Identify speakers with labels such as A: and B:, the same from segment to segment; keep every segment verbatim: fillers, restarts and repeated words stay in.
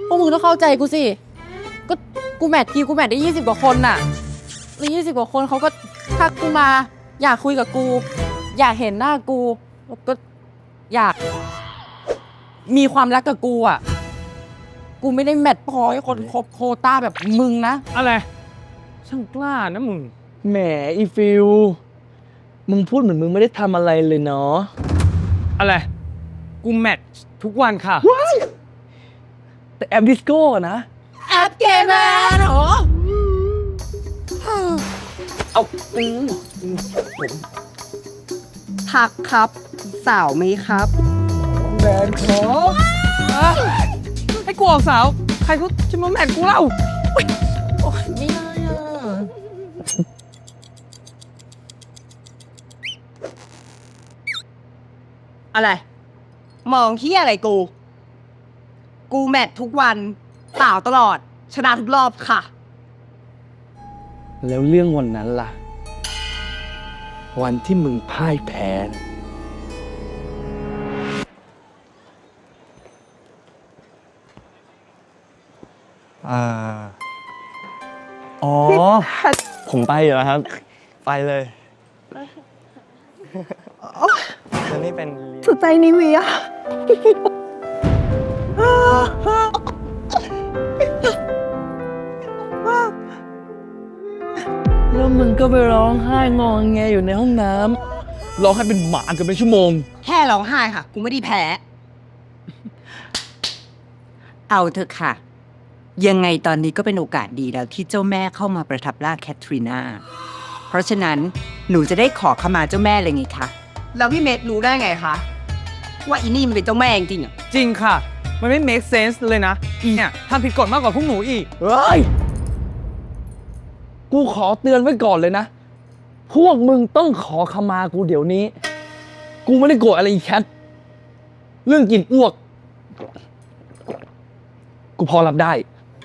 A: พวกมึงต้องเข้าใจกูสิก็กูแมททีกูแมทได้ยี่สิบกว่าคนน่ะแล้วยี่สิบกว่าคนเขาก็ทักกูมาอยากคุยกับกู อยากเห็นหน้ากูแล้วก็อยากมีความรักกับกูอ่ะกูไม่ได้แมทพอให้คนครบโควต้าแบบมึงนะ
B: อะไรช่างกล้านะมึง
C: แหมอีฟิลมึงพูดเหมือนมึงไม่ได้ทำอะไรเลยเนาะ
B: อะไรกูแมททุกวันค่ะ
C: แต่แอปดิสโก้นะ
A: แอปเกมแมนเหรอ
C: เอาอืม
D: ทักครับสาวไหมครับ
C: แมนครับ
B: ให้กูออกสาวใครเขาจะมาแมทกูเล่า
A: โอ้ยไม่ได้อ่ะ
D: อะไร มองที่อะไรกู กูแมททุกวันสาวตลอด ชนะทุกรอบค่ะ
C: แล้วเรื่องวันนั้นล่ะ วันที่มึงพ่ายแพ้
E: อ่าอ๋อ ผมไปอยู่แล้วครับ ไปเลยแล้วนี่เป็น
D: สุดใจนิเวีย
C: แล้วมึงก็ไปร้องไห้งอแงอยู่ในห้องน้ำร้องให้เป็นหมาเกือบเป็นชั่วโมง
D: แค่ร้องไห้ค่ะ กูไม่ได้แพ้
F: เอาเถอะค่ะ ยังไงตอนนี้ก็เป็นโอกาสดีแล้วที่เจ้าแม่เข้ามาประทับร่างแคทรีนาเพราะฉะนั้นหนูจะได้ขอขมาเจ้าแม่เลยไงคะ
D: แล้วพี่เมธรู้ได้ไงคะ ว่าอีนี่มันเป็นเจ้าแม่จริงๆอ่ะ
B: จริงค่ะมันไม่ make sense เลยนะอีเนี่ยทำผิดกฎมากกว่าพวกหนูอีก
C: เฮ้ย กูขอเตือนไว้ก่อนเลยนะ พวกมึงต้องขอขมากูเดี๋ยวนี้ กูไม่ได้โกรธอะไรอีแคท เรื่องกินอ้วก กูพอรับได้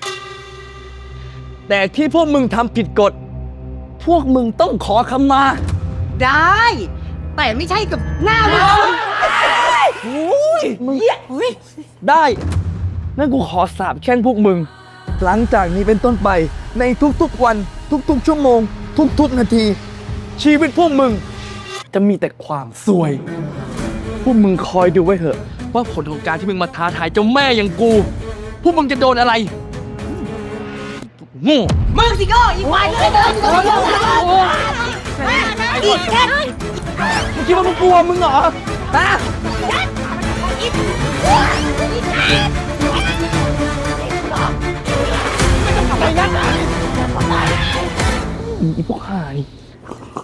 C: แต่ที่พวกมึงทำผิดกฎ พวกมึงต้องขอขมา
D: ได้ แต่ไม่ใช่กับหน้ามึง
C: โอ้ยมึงได้ งั้นกูขอสาบแช่งพวกมึง หลังจากนี้เป็นต้นไป ในทุกๆวัน ทุกๆชั่วโมง ทุกๆนาที ชีวิตพวกมึง จะมีแต่ความซวย พวกมึงคอยดูไว้เถอะ ว่าผลของการที่มึงมาท้าทายเจ้าแม่อย่างกู พวกมึงจะโดนอะไรโง่
D: มึงสิโก้อีควายเลยเดินอีแค่
C: มึงคิดว่ามึงกลัวมึงเหรอฮะอีพวกห่านี่